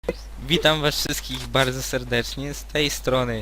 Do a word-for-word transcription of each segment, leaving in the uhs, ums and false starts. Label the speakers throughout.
Speaker 1: Witam was wszystkich bardzo serdecznie z tej strony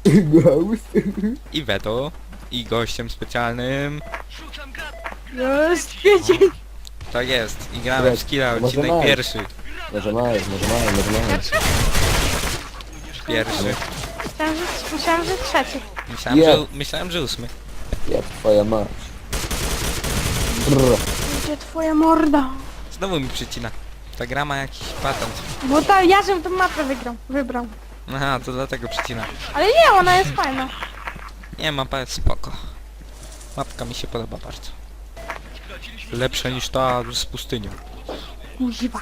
Speaker 1: Iweto i gościem specjalnym
Speaker 2: Jest kwiecień.
Speaker 1: tak jest i gramy w Skilla,
Speaker 3: Może
Speaker 1: odcinek
Speaker 3: maj.
Speaker 1: pierwszy.
Speaker 3: Może maj, może maj, może maj.
Speaker 1: Pierwszy.
Speaker 2: Myślałem, że, myślałem, że trzeci.
Speaker 1: Myślałem,
Speaker 3: Je.
Speaker 1: że, myślałem, że ósmy.
Speaker 3: Jak twoja mać. Brr.
Speaker 2: Gdzie twoja morda?
Speaker 1: Znowu mi przycina. Ta gra ma jakiś patent.
Speaker 2: Bo ta, ja żebym tą mapę wygrał, wybrał.
Speaker 1: Aha, to dlatego przycina.
Speaker 2: Ale nie, ona jest fajna.
Speaker 1: Nie, mapa jest spoko. Mapka mi się podoba bardzo. Lepsza niż ta z pustynią.
Speaker 2: Kuźwa.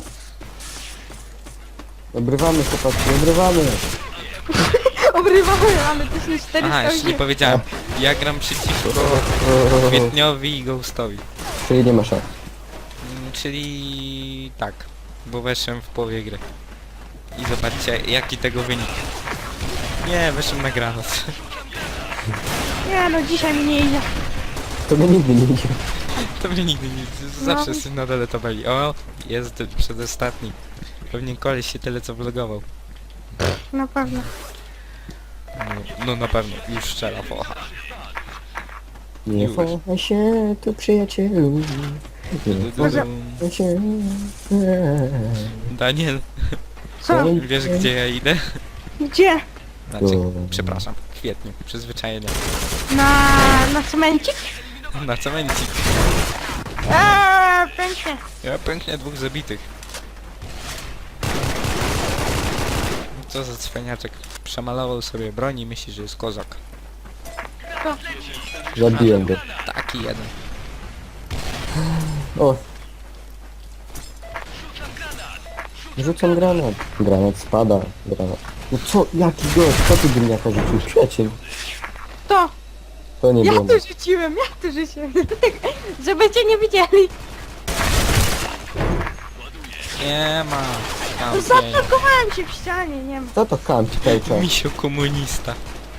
Speaker 3: Obrywamy chłopaki, obrywamy.
Speaker 2: Obrywamy, ale to się cztery
Speaker 1: Aha, jeszcze nie powiedziałem. Ja gram przeciwko Kwietniowi i Ghostowi.
Speaker 3: Czyli nie ma szans.
Speaker 1: Mm, Czyli tak, bo weszłem w połowie gry. I zobaczcie jaki tego wynik. Nie, weszłem na granat.
Speaker 2: Nie no, dzisiaj mi nie idzie.
Speaker 3: To my nigdy nie idzie.
Speaker 1: To mnie nigdy nie... Zawsze
Speaker 2: No.
Speaker 1: jesteś na dole tabeli. O, jest przedostatni. Pewnie koleś się tyle co vlogował.
Speaker 2: Na pewno.
Speaker 1: No, no na pewno, już strzela focha.
Speaker 3: Nie
Speaker 1: Już.
Speaker 3: chowaj się tu przyjacielu. Nie
Speaker 2: Może-
Speaker 3: chowaj się.
Speaker 1: Daniel,
Speaker 2: Co?
Speaker 1: wiesz gdzie ja idę?
Speaker 2: Gdzie?
Speaker 1: Znaczy,
Speaker 3: O.
Speaker 1: przepraszam, w kwietniu, przyzwyczajenie.
Speaker 2: Na, na cemencik?
Speaker 1: Na cemencik.
Speaker 2: Eee, pięknie.
Speaker 1: Ja pięknie dwóch zabitych. Co za cwaniaczek. Przemalował sobie broń i myśli, że jest kozak.
Speaker 2: To.
Speaker 3: Zabiłem go.
Speaker 1: Taki jeden.
Speaker 3: O. Rzucam granat. Granat spada. Granat. No co? Jaki gość? Co ty gniaka rzucił? Przyjaciel.
Speaker 2: To.
Speaker 3: To nie
Speaker 2: Ja
Speaker 3: było.
Speaker 2: tu rzuciłem, ja tu rzuciłem. Żeby cię nie widzieli.
Speaker 1: Nie ma.
Speaker 2: No
Speaker 1: Kampień.
Speaker 2: zablokowałem się w ścianie, nie wiem.
Speaker 3: Co to kampi pejcza?
Speaker 1: Misio komunista.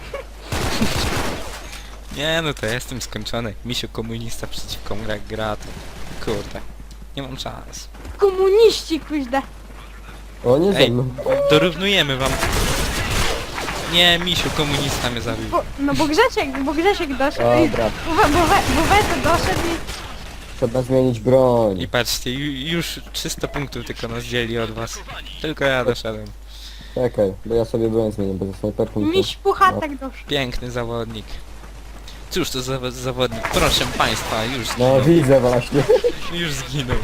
Speaker 1: Nie no to ja jestem skończony. Misio komunista przeciwko gra grat. Kurde. Nie mam szans.
Speaker 2: Komuniści, kuźda.
Speaker 3: O, nie ze
Speaker 1: Ej,
Speaker 3: mną.
Speaker 1: dorównujemy wam. Nie, Misiu komunista mnie zabił.
Speaker 2: Bo, no bo Grzesiek, bo Grzesiek doszedł i...
Speaker 3: Dobra,
Speaker 2: Bo, we- bo, we, bo Weto doszedł i...
Speaker 3: trzeba zmienić broń.
Speaker 1: I patrzcie, ju, już trzysta punktów tylko nas dzieli od was. Tylko ja doszedłem.
Speaker 3: Czekaj, bo ja sobie broń zmienię, bo ze snajperką to...
Speaker 2: Miś Puchatek doszedł.
Speaker 1: Piękny zawodnik. Cóż to za zawodnik? Proszę państwa, już
Speaker 3: No
Speaker 1: zginął.
Speaker 3: widzę właśnie.
Speaker 1: Już zginął.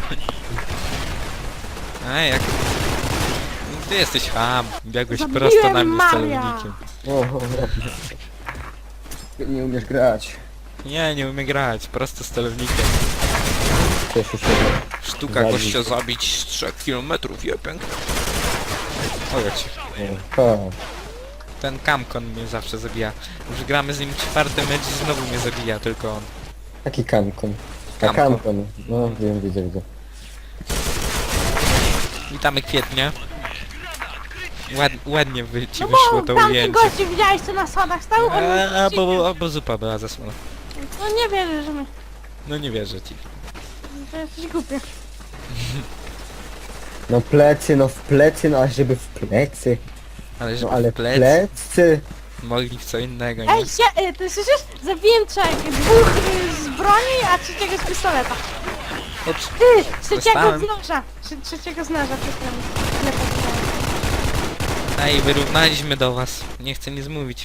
Speaker 1: Ej, jak... Ty jesteś ham. Biegłeś
Speaker 2: Zabiłem
Speaker 1: prosto na mnie z
Speaker 2: Maria.
Speaker 1: celownikiem.
Speaker 3: O, o, Ty nie umiesz grać.
Speaker 1: Nie, nie umiem grać. Prosto z celownikiem.
Speaker 3: Cieszę się.
Speaker 1: Sztuka
Speaker 3: Zabił.
Speaker 1: gościa zabić z trzech kilometrów. Je, pięknie. O, jak się...
Speaker 3: Ha.
Speaker 1: Ten Kamkon mnie zawsze zabija. Już gramy z nim czwarty mecz i znowu mnie zabija, tylko on.
Speaker 3: Taki kamkon. A
Speaker 1: Kamkon.
Speaker 3: kamkon. No wiem, widzę, widzę.
Speaker 1: Witamy Kwietnia. Ład, ładnie wy, ci
Speaker 2: No
Speaker 1: wyszło
Speaker 2: bo
Speaker 1: to
Speaker 2: tamten
Speaker 1: ujęcie.
Speaker 2: gościu widziałeś co na schodach stał? On
Speaker 1: A,
Speaker 2: mi
Speaker 1: bo, a, bo zupa była zasłona.
Speaker 2: No nie wierzę, że my...
Speaker 1: No nie wierzę ci.
Speaker 2: To jesteś głupie.
Speaker 3: No plecy, no w plecy, no aż żeby w plecy.
Speaker 1: Ale żeby
Speaker 3: No ale
Speaker 1: w plec
Speaker 3: plecy.
Speaker 1: mogli w co innego, nie?
Speaker 2: Ej, się, y, ty słyszysz? Zabiłem trzech, dwóch y, z broni, a trzeciego z pistoleta.
Speaker 1: Ups.
Speaker 2: Ty, trzeciego
Speaker 1: Dostałem.
Speaker 2: z noża. Trze- Trzeciego z noża, przepraszam. Źle powiedziałem.
Speaker 1: Ej, wyrównaliśmy do was. Nie chcę nic mówić.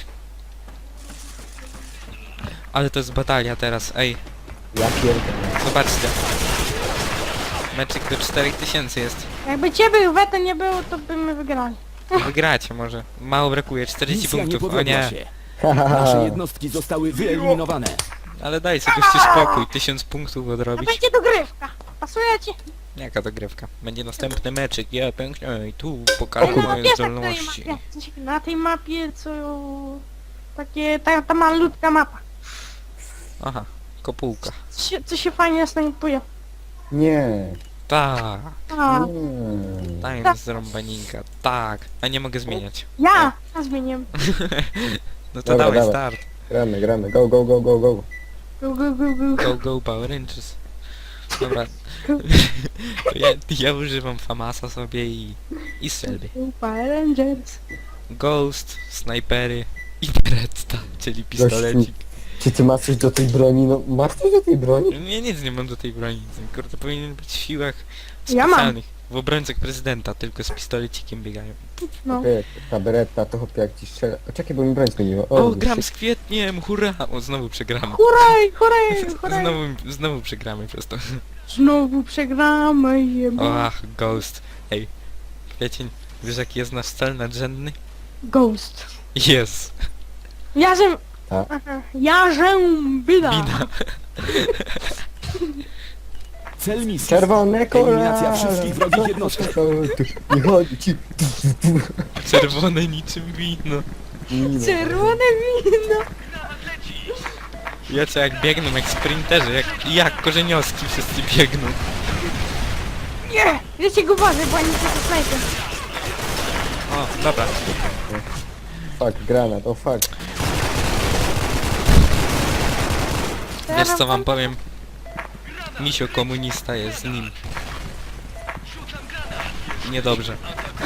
Speaker 1: Ale to jest batalia teraz, ej.
Speaker 3: Ja pierdolę.
Speaker 1: Zobaczcie. Meczyk do czterech tysięcy jest.
Speaker 2: Jakby ciebie Weto nie było, to byśmy wygrali.
Speaker 1: Wygracie może. Mało brakuje, czterdzieści
Speaker 4: Misja nie
Speaker 1: punktów. O
Speaker 4: powiodła
Speaker 1: nie.
Speaker 4: się.
Speaker 3: Ha, ha, ha.
Speaker 4: Nasze jednostki zostały wyeliminowane.
Speaker 1: Ale daj sobie gościu spokój. Tysiąc punktów
Speaker 2: To
Speaker 1: odrobić.
Speaker 2: będzie dogrywka. Pasuje ci?
Speaker 1: Jaka dogrywka? Będzie następny meczyk, ja pięknie i tu
Speaker 2: Ej,
Speaker 1: pokażę
Speaker 2: no,
Speaker 1: moje
Speaker 2: wiesz,
Speaker 1: zdolności.
Speaker 2: Na tej, mapie, w sensie na tej mapie, co... Takie, ta, ta malutka mapa.
Speaker 1: Aha, kopułka.
Speaker 2: Co się, co się fajnie snajpuje.
Speaker 3: Nie.
Speaker 1: Tak,
Speaker 2: A,
Speaker 3: Nie.
Speaker 1: tajem z rąbaninka, tak. A nie mogę zmieniać.
Speaker 2: ja! Ja zmieniłem.
Speaker 1: No to
Speaker 3: Dobra,
Speaker 1: dawaj
Speaker 3: dawaj.
Speaker 1: start.
Speaker 3: Gramy, gramy. Go, go, go, go, go.
Speaker 2: Go, go, go, go.
Speaker 1: Go, go, Power Rangers. Dobra. To ja, ja używam Famasa sobie i... i strzelby.
Speaker 2: Power Rangers.
Speaker 1: Ghost, snajpery i Beretta, czyli pistolecik.
Speaker 3: Czy ty masz coś do tej broni? No masz coś do tej broni?
Speaker 1: Ja nic nie mam do tej broni. Kurde, powinien być w siłach
Speaker 2: Ja mam.
Speaker 1: specjalnych. W obrońcach prezydenta, tylko z pistolecikiem biegają.
Speaker 2: No.
Speaker 3: Okej, ta beretta to chłopie jak ci strzela. O, czekaj, bo mi broń zmieniła.
Speaker 1: O,
Speaker 3: wiesz,
Speaker 1: gram z Kwietniem, hurra! O, znowu przegramy.
Speaker 2: Huraj, huraj, huraj.
Speaker 1: Znowu, znowu przegramy przez to.
Speaker 2: Znowu przegramy, jeba.
Speaker 1: O, ach, Ghost. Ej, Kwiecień, wiesz jaki jest nasz cel nadrzędny?
Speaker 2: Ghost.
Speaker 1: Jest.
Speaker 2: Jarzem...
Speaker 3: Tak.
Speaker 2: Aha. Jarzem Bida.
Speaker 1: Bida.
Speaker 4: Cel misji.
Speaker 3: Czerwone kola!
Speaker 4: Eliminacja wszystkich wrogich jednostek.
Speaker 3: Nie chodzi ci.
Speaker 1: Czerwone niczym wino.
Speaker 2: Czerwone wino.
Speaker 1: Ja co jak biegną, jak sprinterzy, jak, jak korzenioski wszyscy biegną.
Speaker 2: Nie! Wiecie go uważaj, bo oni tylko snajper.
Speaker 1: O, dobra.
Speaker 3: Fuck, granat, o fuck.
Speaker 1: Wiesz co wam powiem? Misio komunista jest z nim. Niedobrze.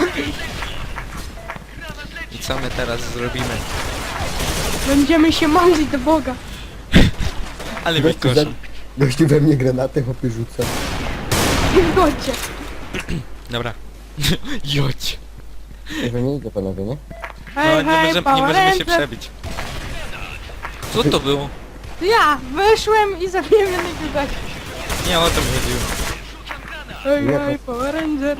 Speaker 1: I co my teraz zrobimy?
Speaker 2: Będziemy się modlić do Boga.
Speaker 1: Ale mnie
Speaker 3: Gościu,
Speaker 1: koszą.
Speaker 3: we, gościu we mnie granaty chłopie rzuca.
Speaker 2: Nie zgodźcie.
Speaker 1: Dobra. Jodź.
Speaker 3: Że nie idzie panowie, nie?
Speaker 1: No
Speaker 2: Hej,
Speaker 1: nie
Speaker 2: hej,
Speaker 1: możemy, nie
Speaker 2: Power
Speaker 1: możemy się
Speaker 2: Ranger.
Speaker 1: przebić. Co to było?
Speaker 2: To ja wyszłem i zabiłem jednego gościa.
Speaker 1: Nie o to mi chodziło.
Speaker 2: Hej,
Speaker 3: Nie,
Speaker 2: hej, Power Ranger.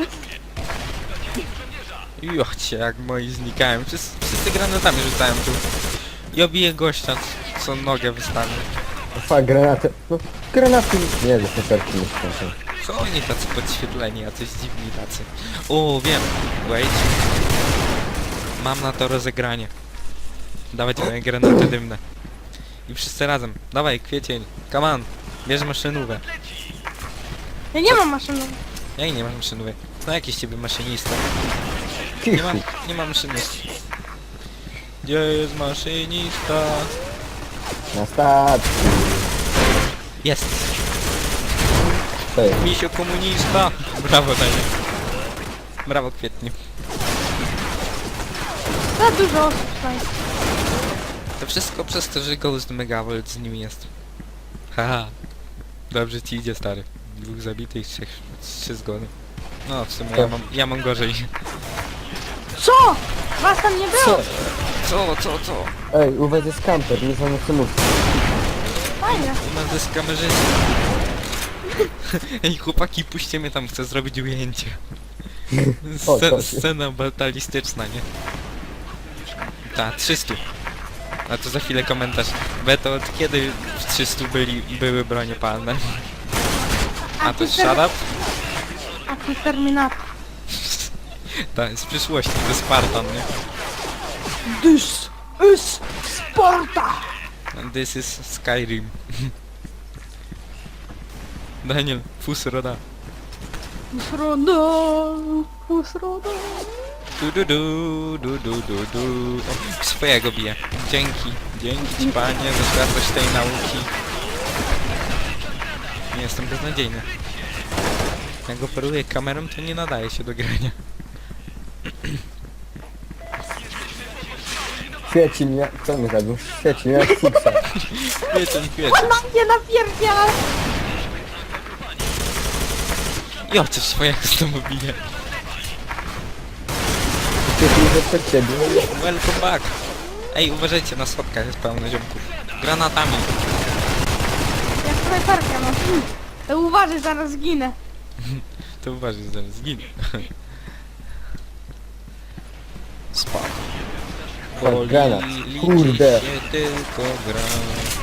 Speaker 1: Jocie, jak moi znikają. Wszyscy, wszyscy granatami rzucają tu. I obiję gościa, co nogę wystawił.
Speaker 3: O fuck, granaty. No, granaty. Nie, że te serki nie skończą.
Speaker 1: Co oni tacy podświetleni, a coś dziwni tacy. O, wiem. Wait. Mam na to rozegranie. Dawać moje granaty dymne. I wszyscy razem. Dawaj, Kwiecień. Come on. Bierz maszynówę.
Speaker 2: Ja nie mam maszyny.
Speaker 1: Ja i nie mam maszynówek. No jakiś ciebie maszynista. Nie mam, nie mam maszynisty. Gdzie jest maszynista?
Speaker 3: Na stacji.
Speaker 1: Jest.
Speaker 3: To jest.
Speaker 1: Misio komunista. Brawo, Daniel. Brawo, Kwietniu.
Speaker 2: Za dużo osób snajper.
Speaker 1: To wszystko przez to, że Ghost Megavolt z nim jest. Haha. Dobrze ci idzie, stary. Dwóch zabitych, trzech, trzy zgony. No, w sumie ja mam, ja mam gorzej.
Speaker 2: Co? Was tam nie było?
Speaker 3: Co?
Speaker 1: Co, co, co?
Speaker 3: Ej, uwaga, jest kamper, nie znam co mówić.
Speaker 2: Fajnie.
Speaker 1: U nas jest kamerzysta. Ej, chłopaki, puśćcie mnie tam, chcę zrobić ujęcie.
Speaker 3: O,
Speaker 1: Sce
Speaker 3: to-
Speaker 1: scena batalistyczna, nie? Ta, trzysta. A to za chwilę komentarz. Beto, od kiedy w trzystu byli, były bronie palne? A to
Speaker 2: ty
Speaker 1: jest
Speaker 2: ter-
Speaker 1: shut up?
Speaker 2: A ty Terminator.
Speaker 1: Tak, z przyszłości, to Spartan, nie?
Speaker 2: This is Sparta!
Speaker 1: And this is Skyrim. Daniel, Fusroda.
Speaker 2: Usrodo, usrodo.
Speaker 1: Du du du, du du du du. O, swojego bije. Dzięki, dzięki ci panie za światłość tej nauki. Nie jestem beznadziejny. Jak operuję kamerą, to nie nadaje się do grania.
Speaker 3: Świeci mnie, co mi zrobił? Świeci mnie jak fuksa.
Speaker 1: Kwiecień, kwiecień.
Speaker 2: Na mnie napierdziela!
Speaker 1: Jo, coś swojego znowu bije.
Speaker 3: Świeci mnie przed ciebie.
Speaker 1: Welcome back. Ej, uważajcie, na schodkach jest pełno ziomków. Granatami.
Speaker 2: Jak snajperkę mam. Hmm. To uważaj, zaraz zginę.
Speaker 1: To uważaj, zaraz zginę. Spoko.
Speaker 3: Tak, granat.
Speaker 1: liczy
Speaker 3: Kurde.
Speaker 1: się tylko granat.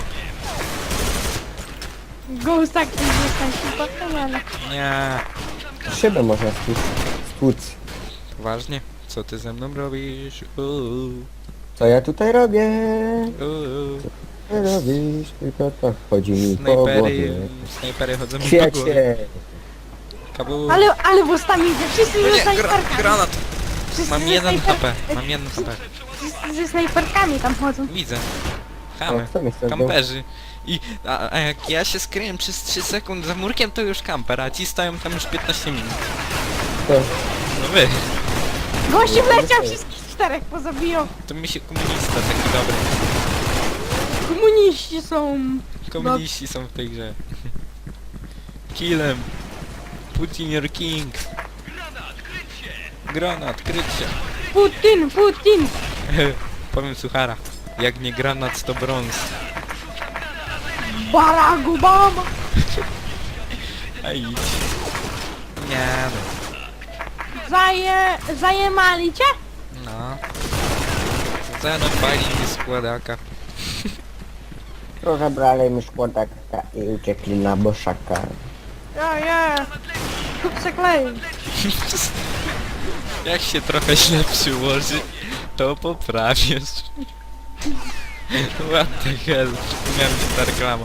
Speaker 2: Ghost tak nie zostań się ale...
Speaker 1: Nie.
Speaker 3: Szybę można stłuc. Stłuc.
Speaker 1: Poważnie? Co ty ze mną robisz? Uuu,
Speaker 3: Co ja tutaj robię?
Speaker 1: uuu.
Speaker 3: Co robisz? Tylko to chodzi mi po
Speaker 1: Snajpery,
Speaker 3: głowie.
Speaker 1: snajpery chodzą mi po głowie.
Speaker 3: Kwiecie!
Speaker 1: Kabu.
Speaker 2: Ale, ale w ustami idzie, wszyscy
Speaker 1: No
Speaker 2: ze
Speaker 1: nie, gra
Speaker 2: snajperkami.
Speaker 1: granat.
Speaker 2: Wszyscy
Speaker 1: Mam
Speaker 2: ze
Speaker 1: jeden
Speaker 2: snajper-
Speaker 1: H P, mam jeden H P.
Speaker 2: Wszyscy ze snajperkami tam chodzą.
Speaker 1: Widzę. Chamy.
Speaker 3: kto mnie chce
Speaker 1: Kamperzy. I, a, a jak ja się skryłem przez trzy sekundy za murkiem, to już kamper, a ci stoją tam już piętnaście minut.
Speaker 3: To,
Speaker 1: No wy,
Speaker 2: Gościu wleciał, wszystkich czterech pozabijał.
Speaker 1: to mi się komunista taki dobry.
Speaker 2: Komuniści są...
Speaker 1: Komuniści są w tej grze. Kill him. Putin your king. Granat, kryć się.
Speaker 2: Putin, Putin!
Speaker 1: Powiem suchara. Jak nie granat, to brąz.
Speaker 2: Barack Obama!
Speaker 1: A idź. Nie no.
Speaker 2: Zaje... Zajemali cię?
Speaker 1: No. Zanopali mi składaka.
Speaker 3: rozebrali mi składaka i uciekli na boszaka.
Speaker 2: Ja, ja. Kup se klej.
Speaker 1: Jak się trochę źle przyłoży, to poprawisz. What the hell? Miałem ta reklama.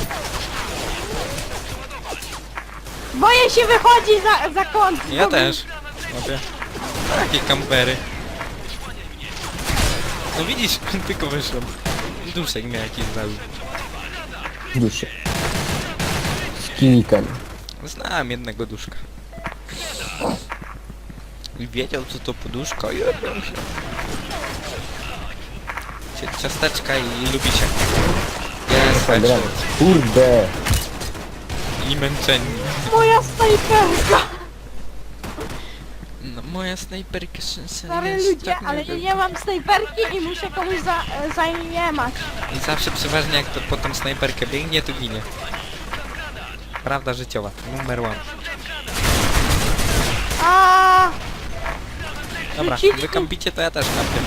Speaker 2: Boję się wychodzi za, za kąt.
Speaker 1: Ja
Speaker 2: Bo-
Speaker 1: też. Mówię. Takie kampery. No widzisz, tylko wyszłem. Duszek mnie jakiś zabił.
Speaker 3: Duszy. Z kinikiem.
Speaker 1: Znałem jednego duszka. I wiedział co to poduszka i robią się. Cie- Ciasteczka i lubicie. Jest headshot.
Speaker 3: Kurde.
Speaker 1: I męczeni.
Speaker 2: Moja snajperka!
Speaker 1: No moja snajperka szansa
Speaker 2: Stary
Speaker 1: jest
Speaker 2: ludzie,
Speaker 1: tak
Speaker 2: ale
Speaker 1: nie
Speaker 2: ja
Speaker 1: wiem.
Speaker 2: nie mam snajperki i muszę komuś za, e, zajemać.
Speaker 1: I zawsze przeważnie jak to po tą snajperkę biegnie, to ginie. Prawda życiowa, numer one.
Speaker 2: A
Speaker 1: Dobra,
Speaker 2: Rzucili-
Speaker 1: wy kampicie, to ja też kampię.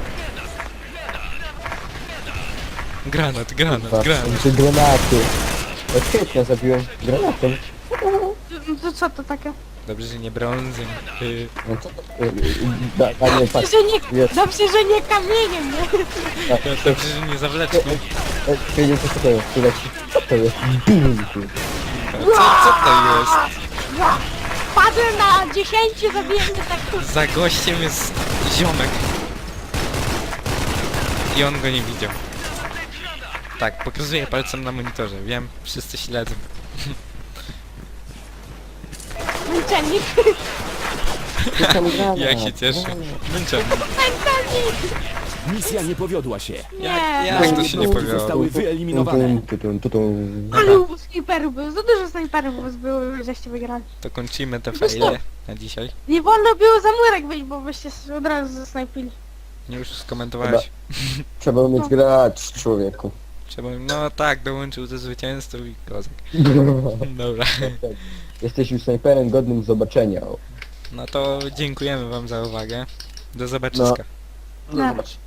Speaker 1: Granat, granat, granat.
Speaker 3: Czy granaty. Od kwietnia zabiłem granatem.
Speaker 2: to co to takie?
Speaker 1: Dobrze, że nie brązem. Yy,
Speaker 3: No co to? y, y, Da, Daniel, patrz.
Speaker 2: Że nie,
Speaker 3: Jest.
Speaker 2: dobrze, że nie kamieniem, nie?
Speaker 1: dobrze, że nie zawleczką.
Speaker 3: Wiedział co to jest, tu leci. Co to jest? Bum, tu.
Speaker 1: Co, co to jest?
Speaker 2: Ja. Padłem na dziesięciu, zabiłem mnie tak tu.
Speaker 1: Za gościem jest ziomek. I on go nie widział. Tak, pokazuję palcem na monitorze, wiem, wszyscy śledzą.
Speaker 2: Męczennik.
Speaker 3: Rzucam granat.
Speaker 1: Jak się cieszę. Męczony.
Speaker 2: Męczennik.
Speaker 4: Misja nie powiodła się.
Speaker 2: Nie.
Speaker 1: Jak, jak to się nie
Speaker 4: Jednostki
Speaker 1: powiało?
Speaker 4: zostały wyeliminowane.
Speaker 3: Tu, tu, tu, tu.
Speaker 2: Ale u snajperów było, za dużo snajperów było, żeście wygrali.
Speaker 1: To kończymy te fajle na dzisiaj.
Speaker 2: Nie wolno było za murek wyjść, bo byście od razu zasnajpili.
Speaker 1: Nie już skomentowałeś.
Speaker 3: Trzeba umieć grać, człowieku.
Speaker 1: Trzeba, no tak, dołączył do zwycięstwa i kozak. Dobra.
Speaker 3: Jesteś już snajperem godnym zobaczenia.
Speaker 1: No to dziękujemy wam za uwagę. Do zobaczyska.
Speaker 3: No zobacz.